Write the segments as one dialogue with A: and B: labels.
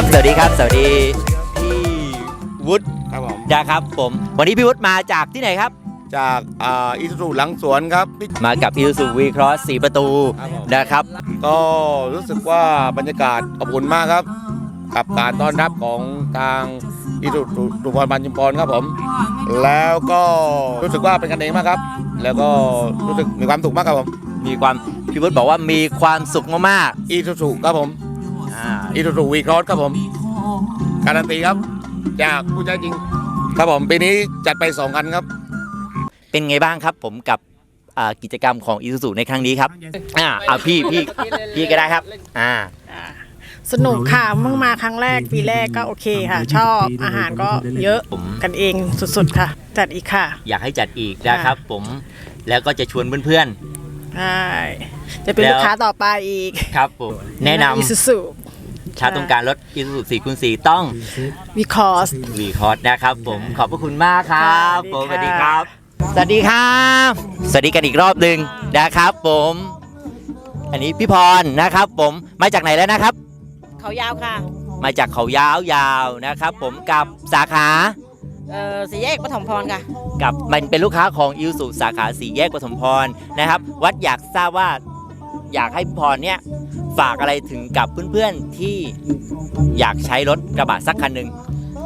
A: สวัสดีครับสวัสดีพี่วุฒิ
B: ครับผม
A: นะครับผมวันนี้พี่วุฒิมาจากที่ไหนครับ
B: จากอิซูซูหลังสวนครับ
A: มากับ Isuzu V-Cross 4 ประตู
B: ครับผม
A: นะครับ
B: ก็รู้สึกว่าบรรยากาศอบอุ่นมากครับ กับการต้อนรับของทางอิซูซูสุพรรณบัญชุมพรครับผม แล้วก็รู้สึกว่าเป็นกันเองมากครับ แล้วก็รู้สึกมีความสุขมากครับผม
A: มีความพี่วุฒิบอกว่ามีความสุขมาก
B: อิซูซูครับผม
A: ๆ
B: อิซูซูวีครอสครับผมการันตีครับจากผู้ใช้จริงครับผมปีนี้จัดไป2คันครับ
A: เป็นไงบ้างครับผมกับกิจกรรมของ Isuzu ในครั้งนี้ครับพี่ก็ได้ครับ
C: สนุกค่ะเมื่อมาครั้งแรกปีแรกก็โอเคค่ะ ชอบอาหารก็เยอะกันเองสุดๆค่ะจัดอีกค่ะ
A: อยากให้จัดอีกนะครับผมแล้วก็จะชวนเพื่อน
C: ใช่จะเป็นลูกค้าต่อไปอีก
A: ๆครับผมแนะน
C: อิซูซู
A: ำถ้าต้องการรถ Isuzu 4x4 ต้อง
C: วีคอส
A: V-Cross นะครับผมขอบพระคุณมากครับ
C: ค่ะ
A: ผมส
C: สวั
A: วัส
C: สดี
A: ดีค
C: ครั
A: รับ
C: บ
A: สวัสดีครับสวัสดีกันอีกรอบหนึ่งนะครับผมอันนี้พี่พรนะครับผมมาจากไหนแล้วนะครับ
D: เขายาวค่ะ
A: มาจากเขายาวๆนะครับผมกับสาขา
D: สี่แยกปฐมพรค่ะ
A: กับมันเป็นลูกค้าของอิวสุสาขาสี่แยกปฐมพรนะครับวัดอยากทราบว่าอยากให้พี่พรเนี่ยฝากอะไรถึงกับเพื่อนๆที่อยากใช้รถกระบะสักคันหนึ่ง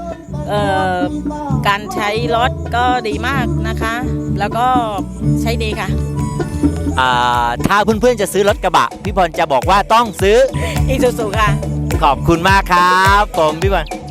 D: การใช้รถก็ดีมากนะคะ แล้วก็ใช้ดีค่ะ
A: ถ้าเพื่อนๆจะซื้อรถกระบะพี่พรจะบอกว่าต้องซื้อ
D: อีซูซูค่ะ
A: ขอบคุณมากครับผมพี่พร